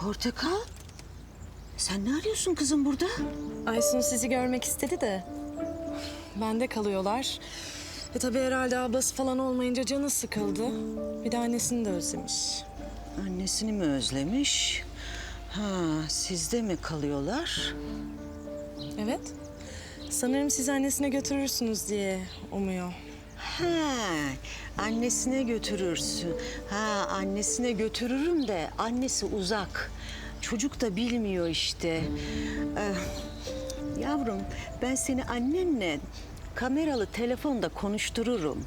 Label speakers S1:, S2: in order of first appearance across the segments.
S1: Portakal, sen ne arıyorsun kızım burada?
S2: Aysun sizi görmek istedi de. Bende kalıyorlar. Tabii herhalde ablası falan olmayınca canı sıkıldı. Bir de annesini de özlemiş.
S1: Annesini mi özlemiş? Ha, sizde mi kalıyorlar?
S2: Evet. Sanırım siz annesine götürürsünüz diye umuyor.
S1: Ha, annesine götürürsün. Ha, annesine götürürüm de annesi uzak. Çocuk da bilmiyor işte. Yavrum, ben seni annenle kameralı telefonda konuştururum.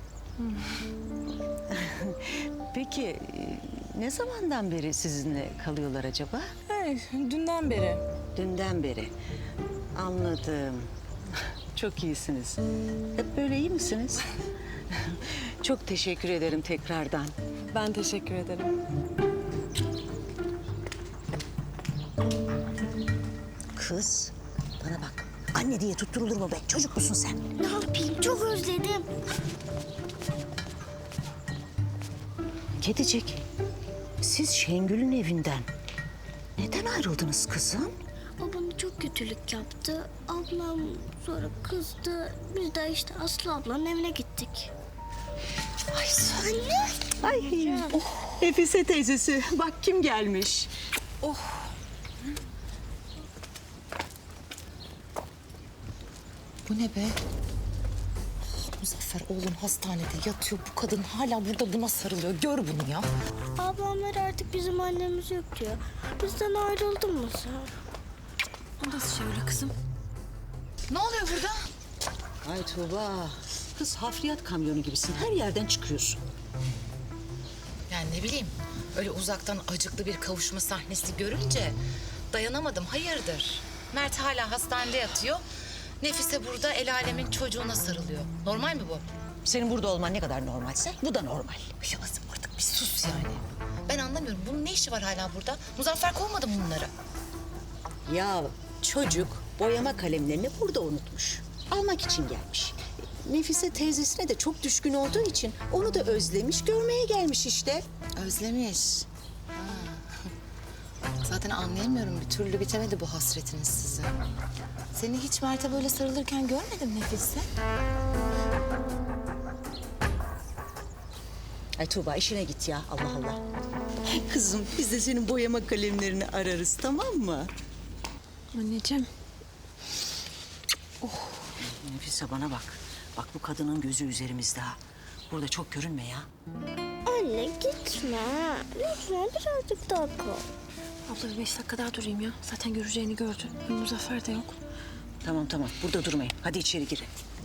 S1: Peki, ne zamandan beri sizinle kalıyorlar acaba?
S2: Dünden beri.
S1: Dünden beri. Anladım. Çok iyisiniz. Hep böyle iyi misiniz? Çok teşekkür ederim tekrardan.
S2: Ben teşekkür ederim.
S1: Kız, bana bak. Anne diye tutturulur mu be? Çocuk musun sen?
S3: Ne yapayım? Çok özledim.
S1: Kedicik, siz Şengül'ün evinden neden ayrıldınız kızım?
S3: O bana çok kötülük yaptı. Ablam sonra kızdı. Biz de işte Aslı ablanın evine gittik.
S1: Ay
S3: Anne.
S1: Ay, Nefise teyzesi. Bak kim gelmiş.
S4: Bu ne be? Muzaffer oğlum hastanede yatıyor. Bu kadın hala burada buna sarılıyor. Gör bunu ya.
S3: Ablamlar artık bizim annemiz yok diyor. Bizden ayrıldın mı sen?
S4: Nasıl öyle kızım? Ne oluyor burada?
S1: Ay Tuğba. Kız hafriyat kamyonu gibisin. Her yerden çıkıyorsun.
S4: Yani ne bileyim. Öyle uzaktan acıklı bir kavuşma sahnesi görünce dayanamadım. Hayırdır? Mert hala hastanede yatıyor. Nefise burada el alemin çocuğuna sarılıyor. Normal mi bu?
S1: Senin burada olman ne kadar normalse bu da normal.
S4: Ya Azim artık bir sus yani. Ben anlamıyorum. Bunun ne işi var hala burada? Muzaffer kovmadı mı bunları?
S1: Ya çocuk boyama kalemlerini burada unutmuş. Almak için gelmiş. Nefise teyzesine de çok düşkün olduğu için onu da özlemiş, görmeye gelmiş işte.
S4: Özlemiş. Ha. Zaten anlayamıyorum. Bir türlü bitemedi bu hasretiniz size. Seni hiç Mert'e böyle sarılırken görmedim Nefise.
S1: Ay Tuğba işine git ya Allah Allah. Kızım biz de senin boyama kalemlerini ararız tamam mı?
S2: Anneciğim.
S1: Nefise bana bak. Bak bu kadının gözü üzerimizde ha. Burada çok görünme ya.
S3: Anne gitme. Lütfen birazcık daha kal.
S2: Abla bir 5 dakika daha durayım ya. Zaten göreceğini gördün. Muzaffer de yok.
S1: Tamam burada durmayın. Hadi içeri girin.